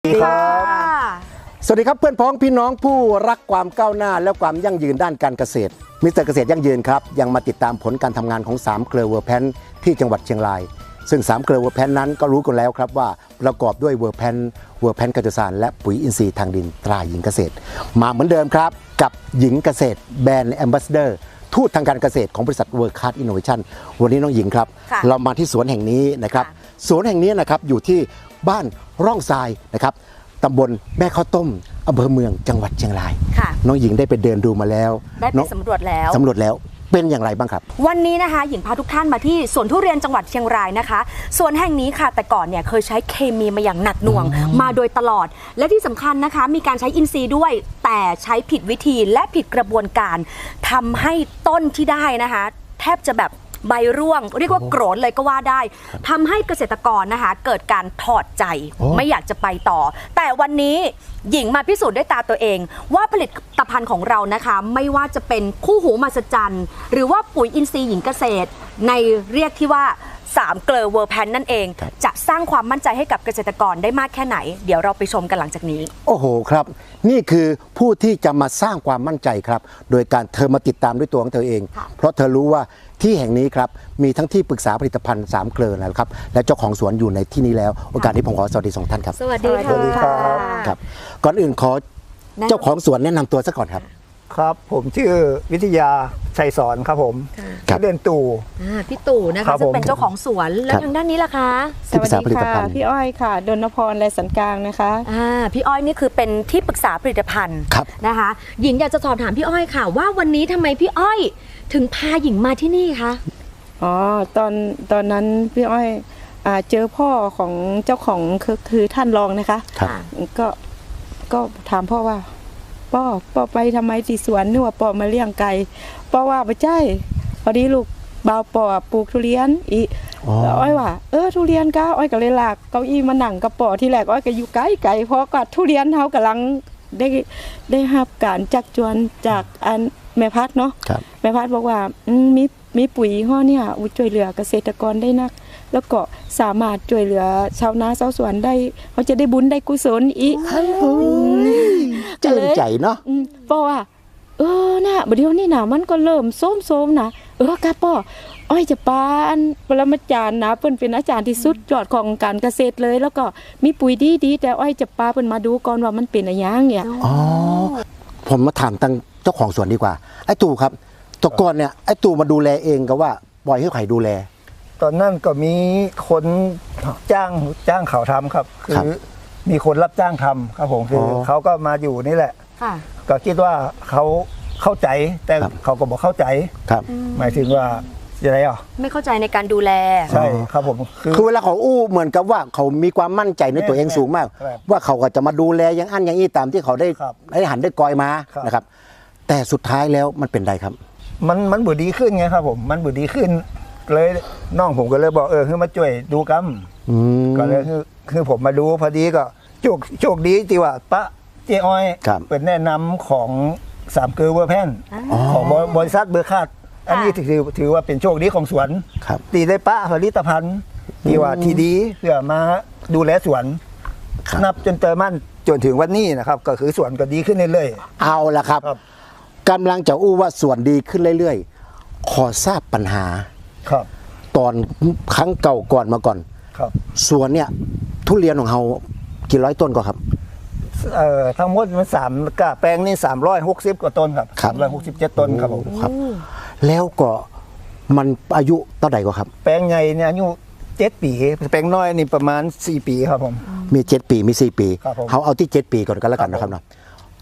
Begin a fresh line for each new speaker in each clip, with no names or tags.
ดีครับสวัสดีครับเพื่อนพ้องพี่น้องผู้รักความก้าวหน้าและความยั่งยืนด้านการเกษตรมิสเตอร์เกษตรยั่งยืนครับยังมาติดตามผลการทำงานของ3เกลือเวอร์แพนที่จังหวัดเชียงรายซึ่ง3เกลือเวอร์แพนนั้นก็รู้กันแล้วครับว่าประกอบด้วยเวอร์แพนกัจจุสานและปุ๋ยอินทรีย์ทางดินตราหญิงเกษตรมาเหมือนเดิมครับกับหญิงเกษตรแบรนด์แอมบาสเดอร์ทูตทางการเกษตรของบริษัทเวิร์คคลาสอินโนเวชั่นวันนี้น้องหญิงครับเรามาที่สวนแห่งนี้นะครับสวนแห่งนี้นะครับอยู่ที่บ้านร่องทรายนะครับตำบลแม่ข้าวต้มอำเภอเมืองจังหวัดเชียงรายน้องหญิงได้ไปเดินดูมาแล้ว
ได้ไปสำรวจแล้ว
เป็นอย่างไรบ้างครับ
วันนี้นะคะหญิงพาทุกท่านมาที่สวนทุเรียนจังหวัดเชียงรายนะคะสวนแห่งนี้ค่ะแต่ก่อนเนี่ยเคยใช้เคมีมาอย่างหนักหน่วงมาโดยตลอดและที่สำคัญนะคะมีการใช้อินทรีย์ด้วยแต่ใช้ผิดวิธีและผิดกระบวนการทำให้ต้นที่ได้นะคะแทบจะแบบใบร่วงเรียกว่าโกรนเลยก็ว่าได้ทำให้เกษตรกรนะคะเกิดการถอดใจไม่อยากจะไปต่อแต่วันนี้หญิงมาพิสูจน์ด้วยตาตัวเองว่าผลิตภัณฑ์ของเรานะคะไม่ว่าจะเป็นคู่หูมหัศจรรย์หรือว่าปุ๋ยอินทรีย์หญิงเกษตรในเรียกที่ว่า3เกลือเวอร์แพนนั่นเองจะสร้างความมั่นใจให้กับเกษตรกรได้มากแค่ไหนเดี๋ยวเราไปชมกันหลังจากนี้
โอ้โหครับนี่คือผู้ที่จะมาสร้างความมั่นใจครับโดยการเธอมาติดตามด้วยตัวของเธอเองเพราะเธอรู้ว่าที่แห่งนี้ครับมีทั้งที่ปรึกษาผลิตภัณฑ์3เกลือนะครับและเจ้าของสวนอยู่ในที่นี้แล้วโอกาสนี้ผมขอสวัสดี2ท่านครับ
สวัสดีค่ะ
ครับก่อนอื่นขอเจ้าของสวนแนะนำตัวซะก่อนครับ
ครับผมชื่อวิทยาชัยสอนครับผมเดินตู่
พี่ตู่นะคะซึ่งเป็นเจ้าของสวนแล้วทางด้านนี้ล่ะคะ
สวัสดีค่ะ
พี่อ้อยค่ะดนพรและสันกลางนะคะ
พี่อ้อยนี่คือเป็นที่ปรึกษาผลิตภัณฑ์นะคะหญิงอยากจะสอบถามพี่อ้อยค่ะว่าวันนี้ทำไมพี่อ้อยถึงพาหญิงมาที่นี่คะ
อ๋อตอนนั้นพี่อ้อยเจอพ่อของเจ้าของคือท่านรองนะคะก็ถามพ่อว่าป้อไปทำไมที่สวนนึกว่าป้อมาเลี้ยงไก่ป้อว่าไม่ใช่พอดีลูกบ่าวป้อปลูกทุเรียนอีแล้วอ้อยว่าทุเรียนก็อ้อยก็เลยลากเก้าอี้มานั่งกับป้อที่แรกอ้อยก็อยู่ไกลเพราะก็ทุเรียนเฮากำลังได้รับการจักจวนจากอันแม่พัดเนาะแม่พัดบอกว่ามีปุ๋ยห่อเนี่ยช่วยเหลือเกษตรกรได้นักแล้วก็สามารถช่วยเหลือชาวนาชาวสวนได้เขาจะได้บุญได้กุศลอีก
เจิญใจเนาะ
เพราะว่าน่ะเดี๋ยวนี้นะมันก็เริ่มโซมนะครับป้ออ้อยจะปานปรมาจารย์นะเพิ่นเป็นอาจารย์ที่สุดยอดของการเกษตรเลยแล้วก็มีปุ๋ยดีแต่อ้อยจะปาเพิ่นมาดูก่อนว่ามันเป็นอะไรอย่างเนี่ย
ผมมาถามทางเจ้าของสวนดีกว่าไอ้ตู่ครับตะก่อนเนี่ยไอ้ตู่มาดูแลเองก็ว่าปล่อยให้ใครดูแล
ตอนนั้นก็มีคนจ้างเขาทำครับคือมีคนรับจ้างทำครับผมคือเขาก็มาอยู่นี่แหละก็คิดว่าเขาเข้าใจแต่เขาก็บอกเข้าใจ
ครับ
หมายถึงว่าอะไร
ไม่เข้าใจในการดูแล
ใช่ครับผม
คือเวลาเขาอู้เหมือนกับว่าเขามีความมั่นใจในตัวเองสูงมากว่าเขาก็จะมาดูแลอย่างอันอย่างนี้ตามที่เขาได้หันได้กอยมานะครับแต่สุดท้ายแล้วมันเป็นไรครับ
มันบุดีขึ้นไงครับผมมันบุดีขึ้นเลยน้องผมก็เลยบอกคือมาช่วยดูกัมก็เลยคือผมมาดูพอดีก็โชคดีที่ว่าปะเจ้อ้อยเป็นแนะนำของ3เกลือเวอร์แพนของบริษัทเบอร์คาดอันนี้ถือว่าเป็นโชคดีของสวนตีได้ปะผลิตภัณฑ์ที่ว่าที่ดีเพื่อมาดูแลสวนนับจนเติมมั่นจนถึงวันนี้นะครับก็คือสวนก็ดีขึ้นเรื่อย
ๆเอาละครับกำลังจะอู้ว่าสวนดีขึ้นเรื่อยๆขอทราบปัญหาตอนครั้งเก่าก่อนมาก่อนสวนเนี่ยทุเรียนของเรากี่ร้อยต้นก็ครับ
ทั้งหมดมัน3กะแปลงนี่360กว่าต้นครับ367ต้นครับผม
ครับแล้วก็มันอายุเท่าไหร่ก็ครับ
แปลงใหญ่เนี่ยอายุ7 ปีแปลงน้อยนี่ประมาณ4 ปีครับผม
มี7 ปีมี4 ปีเขาเอาที่7 ปีก่อนก็แล้วกันนะครับเนาะ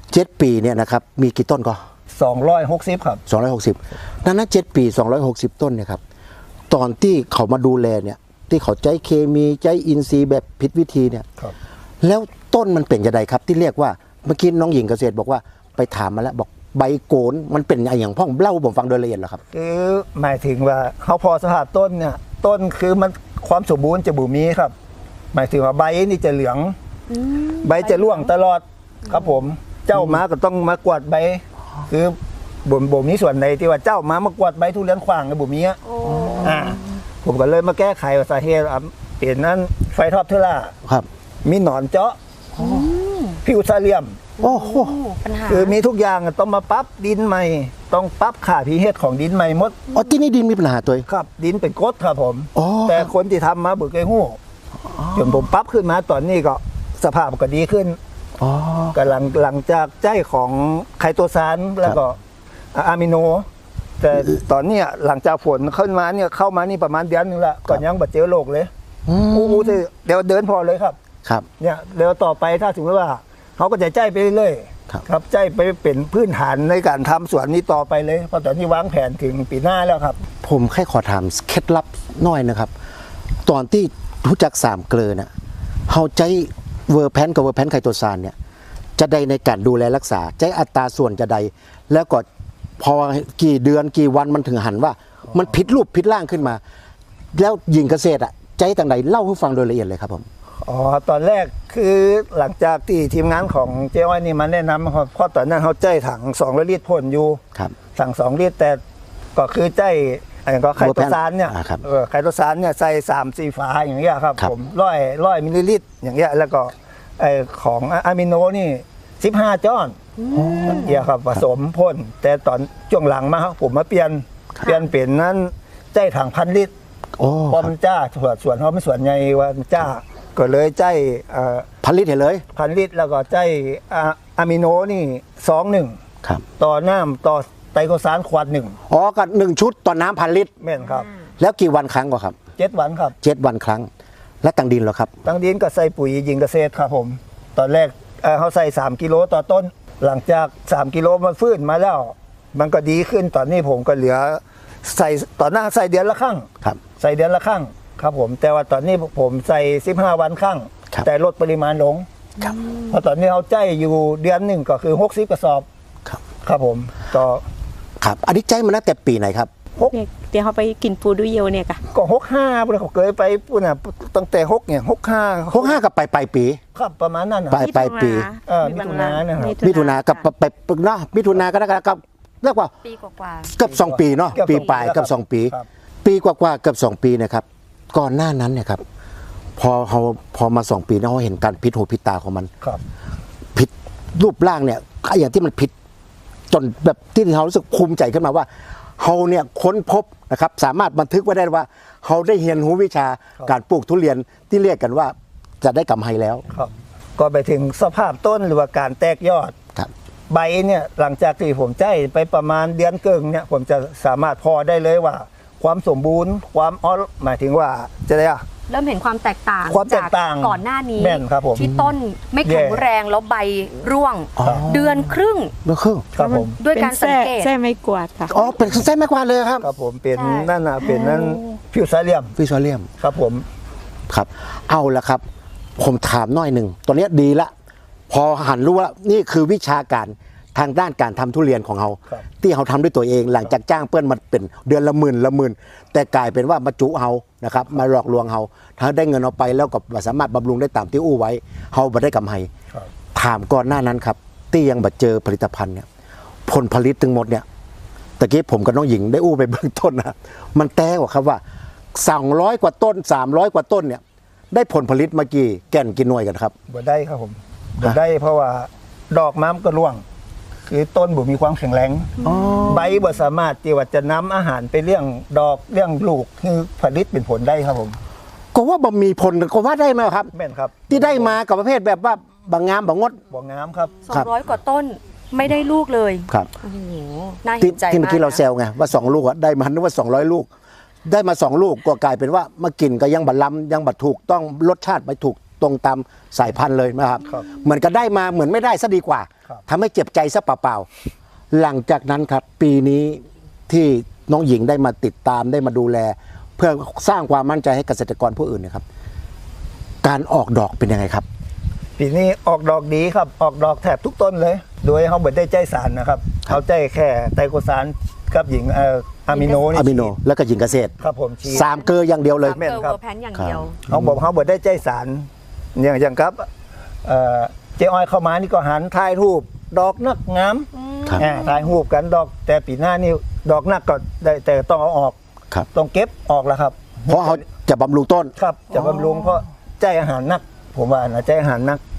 7 ปีเนี่ยนะครับมีกี่ต้นก็
260ครับ
260นั้น7 ปี260ต้นเนี่ยครับตอนที่เขามาดูแลเนี่ยที่เขาใช้เคมีใช้อินทรีย์แบบผิดวิธีเนี่ยแล้วต้นมันเป็นยังไงครับที่เรียกว่าเมื่อกี้น้องหญิงเกษตรบอกว่าไปถามมาแล้วบอกใบโกนมันเป็นอย่างพ่องเล่าผมฟังโดยละเอียดเหรอครับ
คือหมายถึงว่าเขาพอสภาพต้นเนี่ยต้นคือมันความสมบูรณ์จะบุมีครับหมายถึงว่าใบนี่จะเหลืองใบจะร่วงตลอดครับผมเจ้ามาก็ต้องมากวาดใบคือบ่มนี้ส่วนในที่ว่าเจ้ามามากวาดใบทุเรียนขวางในบ่มีผมก็เลยมาแก้ไขสาเหตุเปลี่ยนนั้นไฟท็อปเทอร่ามีหนอนเจาะฟิวซาเลียม
โอ้โห
ปัญหา
คือมีทุกอย่างต้องมาปรับดินใหม่ ต้องปรับค่าพีเฮชของดินใหม่หมด
อ๋อที่นี่ดินมีปัญหาตัวเอง
ครับ ดินเป็นกรดครับผม
อ๋อ
แต่คนที่ทำมาบุกไก่หู้จนผมปรับขึ้นมาตอนนี้ก็สภาพก็ดีขึ้น
อ๋อ
ก็หลังจากใจของไคโตซานแล้วก็อะมิโน แต่ตอนเนี้ยหลังจากฝนขึ้นมาเนี่ยเข้ามานี่ประมาณเดือนนึงละก่อนยังบัดเจอโรคเลย
อืม
อู้เดี๋ยวเดินพอเลยครับ
ครับ
เนี่ยเดี๋ยวต่อไปถ้าถึงว่าเขาก็จะใจไปเรื่อย
ครับ
ครับใจไปเป็นพื้นฐานในการทำสวนนี้ต่อไปเลยเพราะตอนนี้วางแผนถึงปีหน้าแล้วครับ
ผมแค่ขอถามเคล็ดลับหน่อยนะครับ ตอนที่รู้จักสามเกลือเนี่ยเฮาใจเวอร์แพนกับเวอร์แพนไคโตซานเนี่ยจะใดในการดูแลรักษาใจอัตราส่วนจะใด แล้วก็พอกี่เดือนกี่วันมันถึงหันว่า มันผิดรูปผิดร่างขึ้นมา แล้วหญิงเกษตรอ่ะใจต่างใดเล่าให้ฟังโดยละเอียดเลยครับผม
อ๋อตอนแรกคือหลังจากที่ทีมงานของเจ้อ้อยนี่มาแนะนำครับเพราะตอนนั้นเขาใจถัง200 ลิตรพ่นอยู่
ครับ
สั่ง2 ลิตรแต่ก็คือใจอะไรก็ไคโตซานเนี่ย
ครับ
ไคโตซานเนี่ยใส่3-4 ฝาอย่างเงี้ยครับ
ครับ
ผมร้อยมิลลิลิตรอย่างเงี้ยแล้วก็ไอของอะมิโนนี่15 จ้อนอย่างเงี้ยครับผสมพ่นแต่ตอนช่วงหลังมาครับผมมาเปลี่ยนเป็นนั้นใจถัง1,000 ลิตร
โอ้
พอมันจ้าส่วนเขาไม่ส่วนใหญ่ว่ามันจ้าก็เลยใจ
ผลิตเห็นเลย
1,000 ลิตรแล้วก็ใจอะมิโนนี่2-1
ครับ
ต่อน้ำต่อไตรโคซานขวด 1
อ๋อก็1 ชุดต่อน้ำ1,000 ลิตร
แม่นครับ
แล้วกี่วันครั้งก็ครับ
7 วันครับ
7 วันครั้ง และตังดินเหรอครับ
ตั้งดินก็ใส่ปุ๋ยหญิงเกษตรครับผม ตอนแรกเขาใส่3 กิโลต่อต้น หลังจาก3 กิโลมันฟื้นมาแล้ว มันก็ดีขึ้นตอนนี้ผมก็เหลือใส่ต่อหน้าใส่เดือนละครั้ง
ครับ
ใส่เดือนละครั้งครับผมแต่ว่าตอนนี้ผมใส่15 วันครั้ง
ครับ
แต่ลดปริมาณลง
ครับ
เพราะตอนนี้เขาใจอยู่เดือนหนึ่งก็คือ60 กระสอบ
ครับ
ครับผมต่อ
ครับ อันนี้ใจมาตั้งแต่ปีไหนครับ
เนี่ยเดี๋ยวเขาไปกินปูดูเยวเนี่ยค่ะ
ก็65พุ่นเขาเคยไปปุ่นน่ะตั้งแต่6เนี่ย65
65กับปลายปี
ครับประมาณนั้นน่ะ
ปลายปี
มิถุนานะครับ
มิถุนากับไปเนาะมิถุนาก็ได้กับเรียกว่า
ปีกว่า
เกือบ2 ปีเนาะ
เกือบ
ปี
สองปี
ปลาย
แล้ว
เกือบ
ครับ
2 ปี
ครับ
ปีกว่าๆเกือบ2 ปีนะครับ ก่อนหน้านั้นเนี่ยครับพอมา2 ปีเนี่ยเขาเห็นการพิษหูพิษตาของมัน
ครับ
ผิดรูปร่างเนี่ยอย่างที่มันผิดจนแบบที่เขารู้สึกภูมิใจขึ้นมาว่าเขาเนี่ยค้นพบนะครับสามารถบันทึกไว้ได้ว่าเขาได้เรียนรู้วิชาการปลูกทุเรียนที่เรียกกันว่าจะได้กำไรแล้ว
ครับก็ไปถึงสภาพต้นหรือว่าการแตกยอด
ครับ
ใบเนี่ยหลังจากที่ผมใจไปประมาณเดือนเกิงเนี่ยผมจะสามารถพอได้เลยว่า ความสมบูรณ์ความหมายถึงว่าจะได้อะ
เริ่มเห็นความแตกต่าง
ความแตกต่าง
ก่อนหน้านี้
แม่นครับผม
ที่ต้นไม่แข็งแรงแล้วใบร่วง
อ๋อ
เดือนครึ่ง
เมื่อครึ่ง
ครับผม
ด้วยการสังเกต
แส้ไม่กวาดค่ะ
อ๋อเป็นไส้แม่กวาดเลยครับ
ครับผมเป็น
ใช่
นั่นน่ะเป็นนั่นฟิวซาเลียม
ฟิชเลียม
ครับผม
ครับเอาละครับ ผมถามหน่อยหนึ่งตอนนี้ดีละ พอหันรู้ว่านี่คือวิชาการทางด้านการทำทุเรียนของเรา
ครับ
ที่เขาทำด้วยตัวเองหลังจากจ้างเพื่อนมาเป็นเดือนละหมื่นแต่กลายเป็นว่ามาจุเขานะครับมาหลอกลวงเขาถ้าได้เงินเอาไปแล้วก็บ่สามารถบำรุงได้ตามที่อู้ไว้เขาบ่ได้กำไร
ครับ ถ
ามก่อนหน้านั้นครับที่ยังบ่เจอผลิตภัณฑ์เนี่ยผลผลิตทั้งหมดเนี่ยตะกี้ผมกับน้องหญิงได้อู้ไปเบื้องต้นนะมันแต้กว่าครับว่า200 กว่าต้น300 กว่าต้นเนี่ยได้ผลผลิตมากี่แก่นกี่หน่วยกันครับ
บ่ได้ครับผมบ่ได้เพราะว่าดอกม้ำก็ร่วง คือต้นบ่มีความแข็งแรงใบบ่สามารถที่ว่าจะนำอาหารไปเลี้ยงดอกเลี้ยงลูกคือผลิตเป็นผลได้ครับผม
ก็ว่าบ่มีผลก็ว่าได้ไหมครับ
แม่นครับ
ที่ได้มากับประเภทแบบว่าบางงามบางงด
บ่งามครับ
ครับ
200 กว่าต้นไม่ได้ลูกเลย
ครับ
โอ้โหน่า
ที่
เห็นใจ
ที่เมื่
มา
อก กี้เรา
นะ
แซวไงว่า2 ลูกอะได้มานึกว่า200 ลูก ได้มา2 ลูกก็กลายเป็นว่ามากินก็ยังบัดล้ำยังบัดถูกต้องรสชาติไม่ถูกตรงตามสายพันธุ์เลยนะครับ
ครับ
เหมือนก็ได้มาเหมือนไม่ได้ซะดีกว่า
ครับ
ทำให้เจ็บใจซะเปล่าๆหลังจากนั้นครับ ปีนี้ที่น้องหญิงได้มาติดตามได้มาดูแล เพื่อสร้างความมั่นใจให้เกษตรกรผู้อื่นเนะครับ การออกดอกเป็นยังไงครับ
ปีนี้ออกดอกดีครับออกดอกแทบทุกต้นเลย โดยเขาบ่ได้ใจสารนะครับเขาใจแค่ไตรโคซานกับหญิงอะมิโนนี่
อะมิโนแล้วก็หญิงเกษตร
ครับผมฉีด
3 เกลืออย่างเดียวเลย
แม่น
เกอร์
ครับ
เวอร์แพนอย่างเดียว
เขาบอกเขาบ่ได้ใจสารอย่างครับเจ๊อ้อยเข้ามานี่ก็หันถ่ายรูปดอกนักงาม
ครับ
ถ่ายรูปกันดอกแต่ปีหน้านี่ดอกนักก็ได้แต่ต้องเอาออก
ครับ
ต้องเก็บออกแล้วครับ
เพราะเขาจะบำรุงต้น
ครับจะบำรุงเพราะใจอาหารนัก ผมว่านะใจอาหารนัก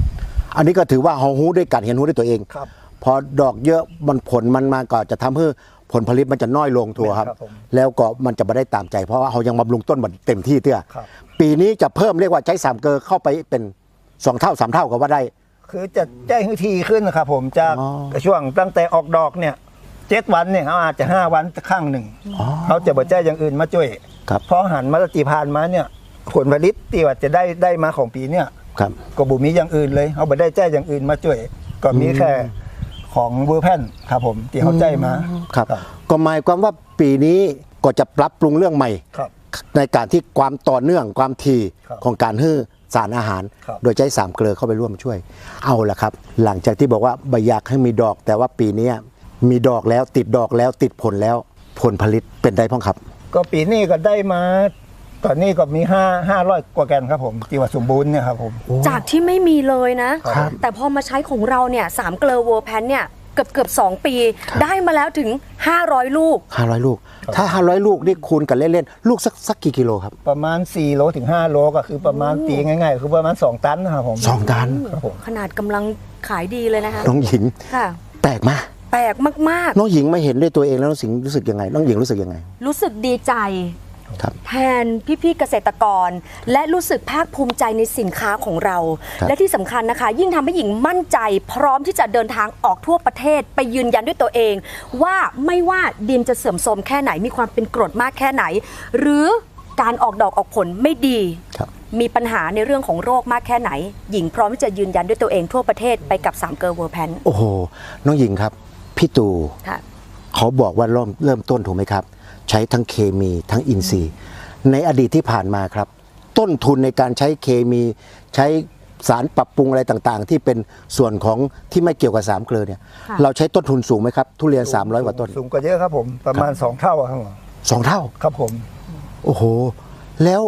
อันนี้ก็ถือว่าเราหู้ด้วยกันเห็นหู้ด้วยตัวเอง
ครับ
พอดอกเยอะมันผลมันมาก็จะทำให้ผลผลิตมันจะน้อยลงทัวครับ
ครับผม
แล้วก็มันจะไม่ได้ตามใจ เพราะว่าเรายังบำรุงต้นมันเต็มที่เตี้ย
ครับ
ปีนี้จะเพิ่มเรียกว่าใช้3 เกลอเข้าไปเป็น2 เท่า 3 เท่าก็ว่าได้
คือจะแจ้งทีขึ้นนะครับผมจาก
อ๋อ
ช่วงตั้งแต่ออกดอกเนี่ย7 วันเนี่ยเขาอาจจะ5 วันครั้งหนึ่ง
อ๋อ
เขาจะบ่แจ้งอย่างอื่นมาช่วย
ครับ
เพราะหันมาตีพานมาเนี่ยผลผลิตที่ว่าจะได้มาของปีเนี่ย
ครับ
ก็บุมีอย่างอื่นเลยเขาบ่ได้แจ้งอย่างอื่นมาช่วย ก็มีแค่ของเวอร์แพนครับผมที่เขาแจ้งมา
ครับก็หมายความว่าปีนี้ก็จะปรับปรุงเรื่องใหม่
ครับ
ในการที่ความต่อเนื่องความถี่
ครับ
ของการให้สารอาหาร
ครับ
โดยใช้3 เกลือเข้าไปร่วมช่วย เอาละครับ หลังจากที่บอกว่าใบอยากให้มีดอก แต่ว่าปีนี้มีดอกแล้วติดดอกแล้วติดผลแล้วผลผลิตเป็นได้พ้องครับ
ก็ปีนี้ก็ได้มาตอนนี้ก็มี500 กว่าแกนครับผมที่ว่าสมบูรณ์เนี่ยครับผม
จากที่ไม่มีเลยนะ แต่พอมาใช้ของเราเนี่ย3 เกลอเวอร์แพนเนี่ยเกือบ2 ปี ได้มาแล้วถึง 500 ลูก
500 ลูก ถ้า 500 ลูกนี่คูณกันเล่นๆลูกสักกี่กิโลครับ
ประมาณ4 โลถึง 5 โลก็คือประมาณตีง่ายๆคือประมาณ2 ตันนะครับผม
2 ตัน
ครับผม
ขนาดกำลังขายดีเลยนะคะ
น้องหญิง
ค่ะ
แปลกมาก
แปลกมาก
น้องหญิงมาเห็นด้วยตัวเองแล้วน้องสิงรู้สึกยังไงน้องหญิงรู้สึกยังไง
ๆ รู้สึกดีใจ
ครับ
แทนพี่ๆเกษตรกร และรู้สึกภาคภูมิใจในสินค้าของเรา
ครับ
และที่สำคัญนะคะ ยิ่งทำให้หญิงมั่นใจ พร้อมที่จะเดินทางออกทั่วประเทศ ไปยืนยันด้วยตัวเอง ว่าไม่ว่าดินจะเสื่อมโทรมแค่ไหนมีความเป็นกรดมากแค่ไหน หรือการออกดอกออกผลไม่ดี
ครับ
มีปัญหาในเรื่องของโรคมากแค่ไหน หญิงพร้อมที่จะยืนยันด้วยตัวเองทั่วประเทศไปกับ3 เกลอเวอร์แพน
โอ้โห น้องหญิงครับ พี่ตู่
ค่ะ
เขาบอกว่าเริ่มต้นถูกไหมครับ ใช้ทั้งเคมีทั้งอินทรีย์ ในอดีตที่ผ่านมาครับ ต้นทุนในการใช้เคมี ใช้สารปรับปรุงอะไรต่างๆ ที่เป็นส่วนของที่ไม่เกี่ยวกับ3 เกลือเนี่ย
ค่ะ
เราใช้ต้นทุนสูงไหมครับ ทุเรียน 300 กว่าต้น
สูงกว่าเยอะครับผมประมาณ2 เท่าครับผม
2 เท่า
ครับผม
โอ้โห แล้ว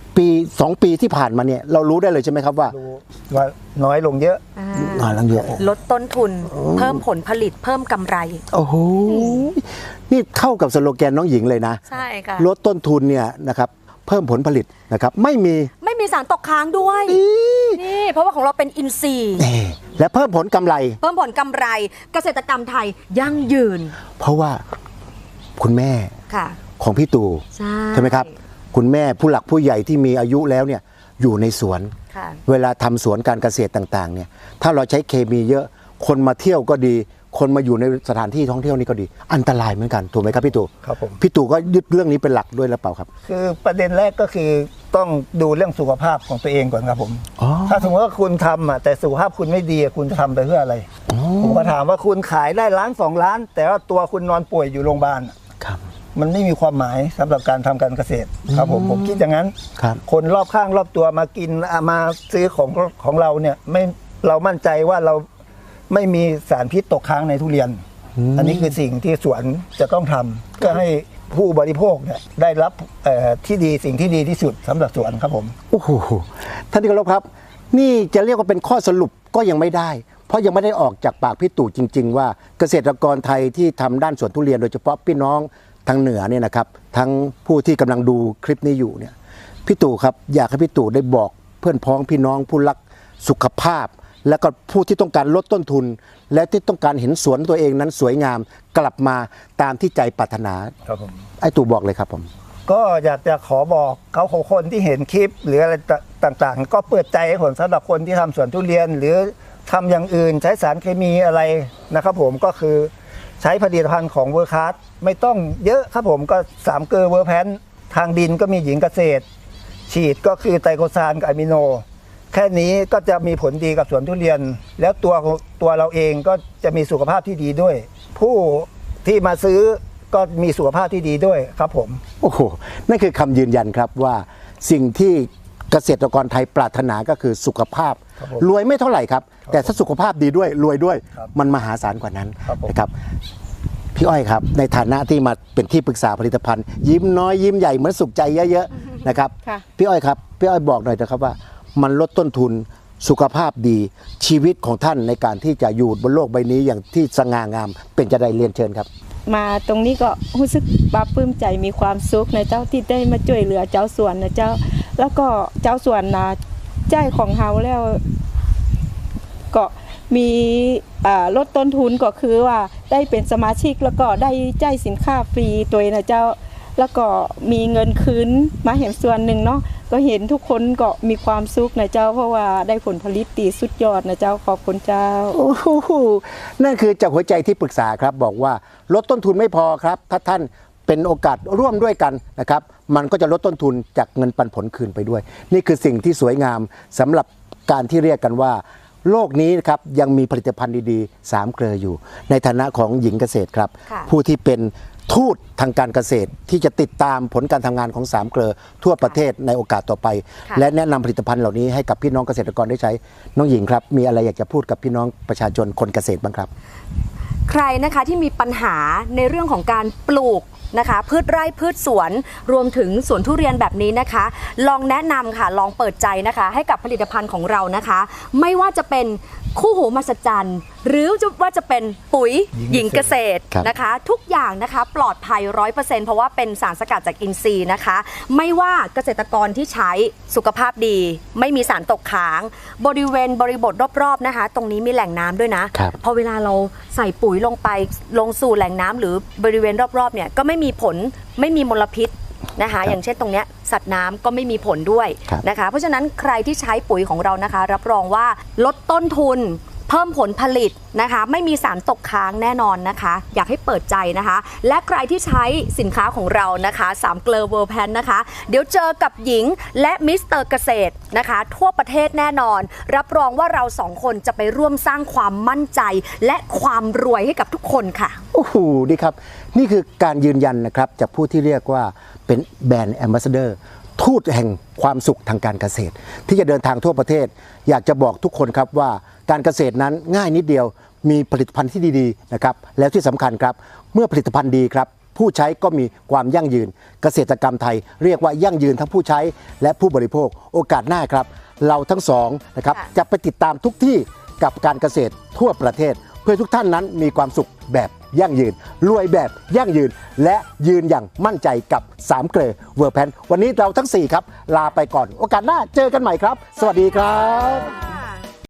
2 ปีที่ผ่านมาเนี่ยเรารู้ได้เลยใช่ไหมครับว่า
ดูว่าน้อยลงเยอะ
น้อยลงเยอะ
ลดต้นทุน เพิ่มผลผลิตเพิ่มกำไร
โอ้โห นี่เข้ากับสโลแกนน้องหญิงเลยนะ
ใช่ค่ะ
ลดต้นทุนเนี่ยนะครับเพิ่มผลผลิตนะครับไม่มี
ไม่มีสารตกค้างด้วย นี่เพราะว่าของเราเป็นอินทรีย์
และเพิ่มผลกำไร
เพิ่มผลกำไร เกษตรกรรมไทยยั่งยืน
เพราะว่าคุณแม่
ค่ะ
ของพี่ตู่
ใช่
ไหมครับ คุณแม่ผู้หลักผู้ใหญ่ที่มีอายุแล้วเนี่ยอยู่ในสวน
ค่ะ
เวลาทำสวนการเกษตรต่างๆเนี่ยถ้าเราใช้เคมีเยอะคนมาเที่ยวก็ดี คนมาอยู่ในสถานที่ท่องเที่ยวนี่ก็ดี อันตรายเหมือนกันถูกไหมครับพี่ตู่
ครับผม
พี่ตู่ก็ยึดเรื่องนี้เป็นหลักด้วยหรือเปล่าครับ
คือประเด็นแรกก็คือต้องดูเรื่องสุขภาพของตัวเองก่อนครับผม
อ๋อ
ถ้าสมมติว่าคุณทำแต่สุขภาพคุณไม่ดีคุณจะทำไปเพื่ออะไร ผมก็ถามว่าคุณขายได้1 ล้าน 2 ล้าน แต่ว่าตัวคุณนอนป่วยอยู่โรงพยาบาล
ครับ
มันไม่มีความหมายสำหรับการทำการเกษตรครับผมคิดอย่างนั้น
ครับ
คนรอบข้างรอบตัวมากินมาซื้อของเราเนี่ยไม่เรามั่นใจว่าเราไม่มีสารพิษตกค้างในทุเรียน อันนี้คือสิ่งที่สวนจะต้องทำเพื่อให้ผู้บริโภคเนี่ยได้รับที่ดีสิ่งที่ดีที่สุดสำหรับสวนครับผม
โอ้โหท่านที่เคารพครับ นี่จะเรียกว่าเป็นข้อสรุปก็ยังไม่ได้ เพราะยังไม่ได้ออกจากปากพี่ตู่จริง ๆ ว่าเกษตรกรไทยที่ทำด้านสวนทุเรียนโดยเฉพาะพี่น้องทางเหนือเนี่ยนะครับทั้งผู้ที่กำลังดูคลิปนี้อยู่เนี่ยพี่ตู่ครับอยากให้พี่ตู่ได้บอกเพื่อนพ้องพี่น้องผู้รักสุขภาพ และก็ผู้ที่ต้องการลดต้นทุน และที่ต้องการเห็นสวนตัวเองนั้นสวยงามกลับมาตามที่ใจปรารถนา
ครับผม
ไอ้ตู่บอกเลยครับผม
ก็อยากจะขอบอกเขาคนที่เห็นคลิปหรืออะไรต่างๆ ก็เปิดใจให้ผมสำหรับคนที่ทำสวนทุเรียน หรือทำอย่างอื่นใช้สารเคมีอะไรนะครับผมก็คือใช้ผลิตภัณฑ์ของเวอร์คัสไม่ต้องเยอะครับผมก็3 เกลอเวอร์แพนทางดินก็มีหญิงเกษตร ฉีดก็คือไตรโคซานกับอะมิโน แค่นี้ก็จะมีผลดีกับสวนทุเรียน แล้วตัวเราเองก็จะมีสุขภาพที่ดีด้วย ผู้ที่มาซื้อก็มีสุขภาพที่ดีด้วยครับผม
โอ้โห นั่นคือคำยืนยันครับว่าสิ่งที่เกษตรกรไทยปรารถนาก็คือสุขภาพ
ครับผม
รวยไม่เท่าไหร่ครับ แต่ถ้าสุขภาพดีด้วยรวยด้วย
ครับ
มันมหาศาลกว่านั้น
ครับผม
นะครับพี่อ้อยครับในฐานะที่มาเป็นที่ปรึกษาผลิตภัณฑ์ ยิ้มน้อยยิ้มใหญ่เหมือนสุขใจเยอะๆนะครับ
ค่ะ
พี่อ้อยครับพี่อ้อยบอกหน่อยนะครับว่า มันลดต้นทุนสุขภาพดีชีวิตของท่านในการที่จะอยู่บนโลกใบนี้อย่างที่สง่างามเป็นจะได้เรียนเชิญครับ
มาตรงนี้ก็รู้สึกปลาปลื้มใจมีความสุขนะเจ้าที่ได้มาช่วยเหลือเจ้าสวนนะเจ้า แล้วก็เจ้าสวนนะใจของเฮาแล้วก็มีลดต้นทุนก็คือว่าได้เป็นสมาชิกแล้วก็ได้จ่ายสินค้าฟรีตัวนะเจ้าแล้วก็มีเงินคืนมาเห็นส่วนหนึ่งเนาะก็เห็นทุกคนก็มีความสุขนะเจ้าเพราะว่าได้ผลผลิตตีสุดยอดนะเจ้าขอบคุณเจ้า
โอ้โหนั่นคือจากหัวใจที่ปรึกษาครับบอกว่าลดต้นทุนไม่พอครับถ้าท่านเป็นโอกาสร่วมด้วยกันนะครับมันก็จะลดต้นทุนจากเงินปันผลคืนไปด้วยนี่คือสิ่งที่สวยงามสำหรับการที่เรียกกันว่าโลกนี้นะครับยังมีผลิตภัณฑ์ดีๆ3เกลืออยู่ ในฐานะของหญิงเกษตรครับ
ค่ะ
ผู้ที่เป็นทูตทางการเกษตรที่จะติดตามผลการทำงานของ3เกลือทั่วประเทศในโอกาสต่อไป และแนะนำผลิตภัณฑ์เหล่านี้ให้กับพี่น้องเกษตรกรได้ใช้น้องหญิงครับมีอะไรอยากจะพูดกับพี่น้องประชาชนคนเกษตรบ้างครับ
ใครนะคะที่มีปัญหาในเรื่องของการปลูกนะคะพืชไร่พืชสวนรวมถึงสวนทุเรียนแบบนี้นะคะ ลองแนะนำค่ะลองเปิดใจนะคะให้กับผลิตภัณฑ์ของเรานะคะ ไม่ว่าจะเป็นคู่หูมหัศจรรย์หรือว่าจะเป็นปุ๋ยหญิงเกษตร
ครับ
นะคะ ทุกอย่างนะคะปลอดภัย 100% เพราะว่าเป็นสารสกัดจากอินทรีย์นะคะ ไม่ว่าเกษตรกรที่ใช้สุขภาพดี ไม่มีสารตกค้างบริบทรอบๆนะคะ ตรงนี้มีแหล่งน้ำด้วยนะ
ครับ
พอเวลาเราใส่ปุ๋ยลงไปลงสู่แหล่งน้ำหรือบริเวณรอบๆเนี่ยก็ไม่มีผลไม่มีมลพิษนะคะอย่างเช่นตรงเนี้ยสัตว์น้ำก็ไม่มีผลด้วยนะคะเพราะฉะนั้นใครที่ใช้ปุ๋ยของเรานะคะ รับรองว่าลดต้นทุนเพิ่มผลผลิตนะคะไม่มีสารตกค้างแน่นอนนะคะอยากให้เปิดใจนะคะและใครที่ใช้สินค้าของเรานะคะ3เกลอเวอร์แพนนะคะเดี๋ยวเจอกับหญิงและมิสเตอร์เกษตรนะคะทั่วประเทศแน่นอนรับรองว่าเราสองคนจะไปร่วมสร้างความมั่นใจและความรวยให้กับทุกคนค่ะ
โอ้โหดีครับนี่คือการยืนยันนะครับจากผู้ที่เรียกว่าเป็นแบรนด์แอมบาสเดอร์ทูตแห่งความสุขทางการเกษตร ที่จะเดินทางทั่วประเทศ อยากจะบอกทุกคนครับว่าการเกษตรนั้นง่ายนิดเดียวมีผลิตภัณฑ์ที่ดีๆนะครับแล้วที่สำคัญครับเมื่อผลิตภัณฑ์ดีครับผู้ใช้ก็มีความยั่งยืนเกษตรกรรมไทย เรียกว่ายั่งยืนทั้งผู้ใช้และผู้บริโภคโอกาสหน้าครับเราทั้งสองนะครับ
ค่ะ
จะไปติดตามทุกที่กับการเกษตรทั่วประเทศ เพื่อทุกท่านนั้นมีความสุขแบบยั่งยืนรวยแบบยั่งยืน และยืนอย่างมั่นใจกับ3เกลอเวอร์แพนวันนี้เราทั้ง4ครับลาไปก่อนโอกาสหน้าเจอกันใหม่ครับ สวัสดีครับ